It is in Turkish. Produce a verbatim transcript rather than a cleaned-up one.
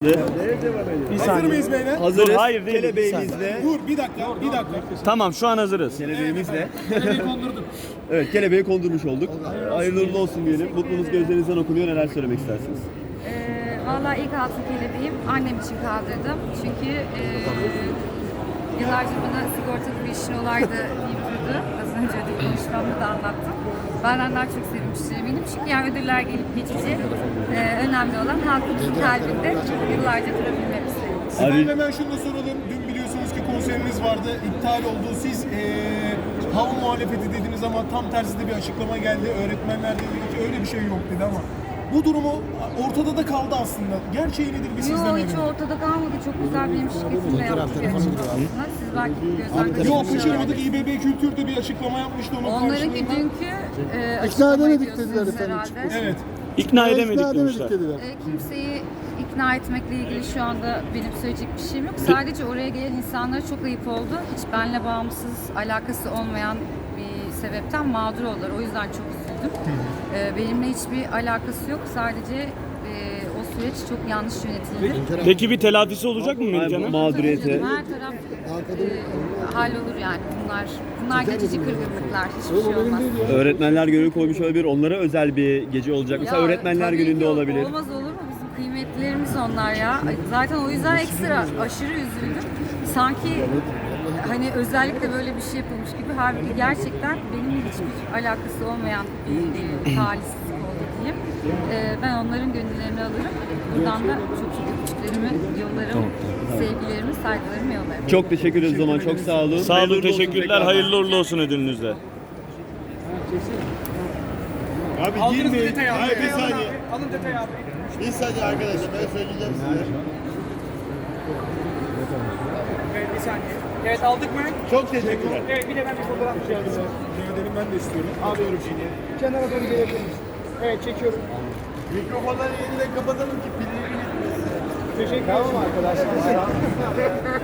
Bir Hazır saniye. mıyız beyler? Hazırız. Dur, hayır, değil. Kelebeğimizle. Dur bir dakika, bir dakika. Tamam şu an hazırız. Kelebeğimizle. Kelebeği kondurduk. Evet, kelebeği kondurmuş olduk. Hayırlı uğurlu olsun diyelim. Mutluluğunuz gözlerinizden okunuyor. Neler söylemek istersiniz? Ee, Valla ilk altın kelebeğim annem için kaldırdım. Çünkü e, yıllarca bana sigortalı bir işin olaydı yapıyordu. Az önce ödül konuşmamda da anlattım. Benden daha çok sevinmiştir eminim. Çünkü yani ödüller gelip geçici. Ee, önemli olan halkımızın kalbinde yıllarca durabilmemiz. Efendim hemen şunu da soralım. Dün biliyorsunuz ki konseriniz vardı. İptal oldu. Siz ee, hava muhalefeti dediniz ama tam tersi de bir açıklama geldi. Öğretmenler dedi ki öyle bir şey yok dedi ama bu durumu ortada da kaldı aslında. Gerçeği nedir bir siz Yok demeyin. hiç ortada kalmadı. Çok güzel benim şirketimde yaptık bir açıklama aslında. Siz belki gözden kaçırmış Yok kaçırmadık. olabilirsiniz. İBB Kültür'de bir açıklama yapmıştı onun Onlarınki karşılığında. dünkü e, İkna açıklama edemedik ediyorsunuz dediler efendim, herhalde. Evet. İkna edemedik İkna edemedik demişler. dediler. E, kimseyi ikna etmekle ilgili şu anda benim söyleyecek bir şeyim yok. Sadece oraya gelen insanlara çok ayıp oldu. Hiç benimle bağımsız, alakası olmayan bir sebepten mağdur oldular. O yüzden çok üzüldüm. E, benimle hiçbir alakası yok. Sadece e, o süreç çok yanlış yönetildi. Peki bir telafisi olacak mı Ay, Melihcan'ın? mağduriyeti. Her taraf e, hallolur yani. Bunlar bunlar geçici kırgınlıklar. Hiçbir şey olmaz. Öğretmenler Günü koymuş olabilir. Onlara özel bir gece olacak. Mesela Ya, Öğretmenler tabii Günü'nde ki olabilir. Olmaz olur mu? Bizim kıymetlilerimiz onlar ya. Zaten o yüzden ekstra aşırı üzüldüm. Sanki hani özellikle böyle bir şey yapılmış gibi. Halbuki gerçekten benim hiçbir alakası olmayan bir e, talihsizlik oldu diyeyim. E, ben onların gönüllerini alırım. Buradan da çok çok öpücüklerimi yollarım. Sevgilerimi, saygılarımı yollarım. Çok teşekkür ederiz o zaman. Çok sağ olun. Sağ Hayırlı olun, uğurlu olsun teşekkürler. tekrar. Hayırlı uğurlu olsun ödülünüzde. Abi girmeyin. Hayır bir saniye. Alın detayı abi. Bir saniye arkadaşlar ben söyleyeceğim size. Evet bir saniye. Evet aldık mı? Çok teşekkürler. Evet bir de ben bir fotoğraf çekeceğim. Rica ben de istiyorum. Alıyorum şimdi. Kenara doğru gelebilir misin? Evet çekiyorum. Mikrofonları yeniden kapatalım ki pilleri bitmesin. Teşekkür ederim arkadaşlar.